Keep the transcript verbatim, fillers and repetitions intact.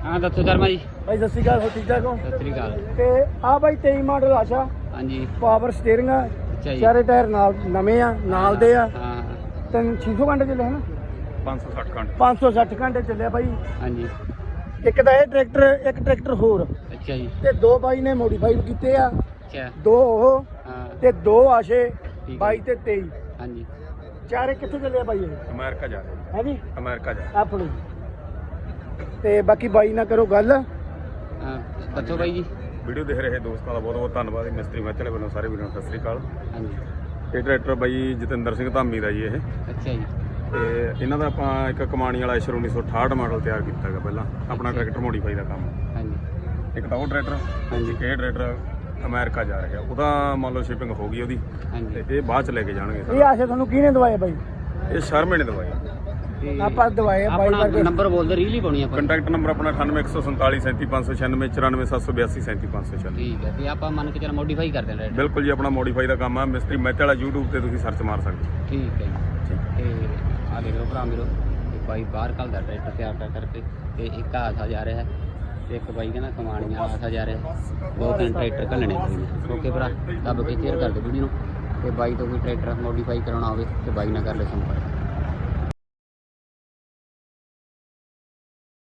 हाँ दसो शर्मा जी। भाई सत श्री अकाल, हो ठीक ठाक हो? सत श्री अकाल। ਤੇ ਆ ਬਾਈ ਤੇਈ ਮਾਡਲ ਆਸ਼ਾ हाँ जी। ਪਾਵਰ ਸਟੀਅਰਿੰਗ ਆ, अच्छा जी। ਚਾਰੇ ਟਾਇਰ ਨਾਲ ਨਵੇਂ ਆ, ਨਾਲ ਦੇ ਆ। हाँ ਤਿੰਨ ਛੇ ਸੌ ਘੰਟੇ ਚੱਲੇ ਹਨ, ਪੰਜ ਸੌ ਸੱਠ ਘੰਟੇ ਪੰਜ ਸੌ ਸੱਠ ਘੰਟੇ ਚੱਲਿਆ ਬਾਈ। हाँ जी। ਇੱਕ ਤਾਂ ਇਹ ਟਰੈਕਟਰ, ਇੱਕ ਟਰੈਕਟਰ ਹੋਰ, अच्छा जी। ਤੇ ਦੋ ਬਾਈ ਨੇ ਮੋਡੀਫਾਈ ਕੀਤੇ ਆ, अच्छा। ਦੋ ਉਹ हाँ ਤੇ ਦੋ ਆਸ਼ੇ ਠੀਕ ਹੈ। ਬਾਈ ਤੇ ਤੇਈ। हाँ जी। ਚਾਰੇ ਕਿੱਥੇ ਚੱਲੇ ਆ ਬਾਈ ਇਹ? ਅਮਰੀਕਾ ਜਾ ਰਹੇ ਹੈ ਜੀ ਅਮਰੀਕਾ ਜਾ ਆਪਣੀ। ਤੇ ਬਾਕੀ ਬਾਈ ਨਾਲ ਕਰੋ ਗੱਲ। हाँ दसो भाई जी। ਵੀਡੀਓ ਦੇਖ ਰਹੇ ਦੋਸਤਾਂ ਦਾ ਬਹੁਤ ਬਹੁਤ ਧੰਨਵਾਦ। ਮਿਸਤਰੀ ਮੱਚਲੇ ਵੱਲੋਂ ਸਾਰੇ ਵੀਰਾਂ ਨੂੰ ਸਤਿ ਸ੍ਰੀ ਅਕਾਲ। हाँ जी। ਇਹ ਟਰੈਕਟਰ ਬਾਈ ਜਤਿੰਦਰ ਸਿੰਘ ਧਾਮੀ ਦਾ ਜੀ ਇਹ, अच्छा जी। ਤੇ ਇਹਨਾਂ ਦਾ ਆਪਾਂ ਇੱਕ ਕਮਾਣੀ ਵਾਲਾ ਐਸ਼ਰ ਉੱਨੀ ਸੌ ਅਠਾਹਠ ਮਾਡਲ ਤਿਆਰ ਕੀਤਾ ਹੈਗਾ ਪਹਿਲਾਂ ਆਪਣਾ ਟਰੈਕਟਰ ਮੋਡੀਫਾਈ ਦਾ ਕੰਮ। हाँ जी। ਇੱਕ ਤਾਂ ਉਹ ਟਰੈਕਟਰ, ਹਾਂਜੀ। ਇੱਕ ਇਹ ਟਰੈਕਟਰ ਅਮਰੀਕਾ ਜਾ ਰਿਹਾ, ਉਹਦਾ ਮੰਨ ਲਓ ਸ਼ਿਪਿੰਗ ਹੋ ਗਈ ਉਹਦੀ, हाँ जी। ਤੇ ਇਹ ਬਾਅਦ ਚ ਲੈ ਕੇ ਜਾਣਗੇ ਇਹ ਸਾਰਾ। ਆਸ਼ੇ ਤੁਹਾਨੂੰ ਕਿਹਨੇ ਦਵਾਏ ਬਾਈ? ਇਹ ਸ਼ਰਮੇ ਨੇ ਦਵਾਈ। ਤੇ ਆਪਾਂ ਦਵਾਏ ਆ ਬਾਈ अपना ਕਰਕੇ। नंबर बोल दे, रील ही पानी अपन। ਕੰਟੈਕਟ ਨੰਬਰ ਆਪਣਾ ਅਠਾਨਵੇਂ ਇੱਕ ਸੌ ਸੰਤਾਲੀ ਸੈਂਤੀ ਪੰਜ ਸੌ ਛਿਆਨਵੇਂ ਚੁਰਾਨਵੇਂ ਸੱਤ ਸੌ ਬਿਆਸੀ ਸੈਂਤੀ ਪੰਜ ਸੌ ਛਿਆਨਵੇਂ। ठीक है। ते आप मान के चलो मॉडिफाई कर देना रेट। ਬਿਲਕੁਲ ਜੀ, ਆਪਣਾ ਮੋਡੀਫਾਈ ਦਾ ਕੰਮ ਆ। ਮਿਸਤਰੀ ਮੈਚ ਵਾਲਾ YouTube ਤੇ ਤੁਸੀਂ ਸਰਚ ਮਾਰ ਸਕਦੇ ਹੋ। ठीक है जी। ਠੀਕ। ਤੇ ਆ ਦੇਖ ਲਓ ਭਰਾ ਮੇਰੋ, ਤੇ ਬਾਈ ਬਾਹਰ ਕੱਲਦਾ ਟਰੈਕਟਰ ਤਿਆਰ ਕਰ ਕਰਕੇ, ਤੇ ਇੱਕ ਆਸਾ ਜਾ ਰਿਹਾ ਹੈ, ਤੇ ਇੱਕ ਬਾਈ ਕਹਿੰਦਾ ਕਮਾਣੀਆਂ ਆਸਾ ਜਾ ਰਿਹਾ। ਦੋ ਤਿੰਨ ਟਰੈਕਟਰ ਘੱਲਣੇ ਕੋਈ ਨੇ। ਓਕੇ ਭਰਾ, ਦੱਬ ਕੇ ਸ਼ੇਅਰ ਕਰ ਦਿਓ ਵੀਡੀਓ ਨੂੰ, ਤੇ ਬਾਈ ਤੋਂ ਕੋਈ ਟਰੈਕਟਰ ਮੋਡੀਫਾਈ ਕਰਾਉਣਾ ਹੋਵੇ ਤੇ ਬਾਈ ਨਾਲ ਕਰ ਲਿਓ ਸੰਪਰਕ।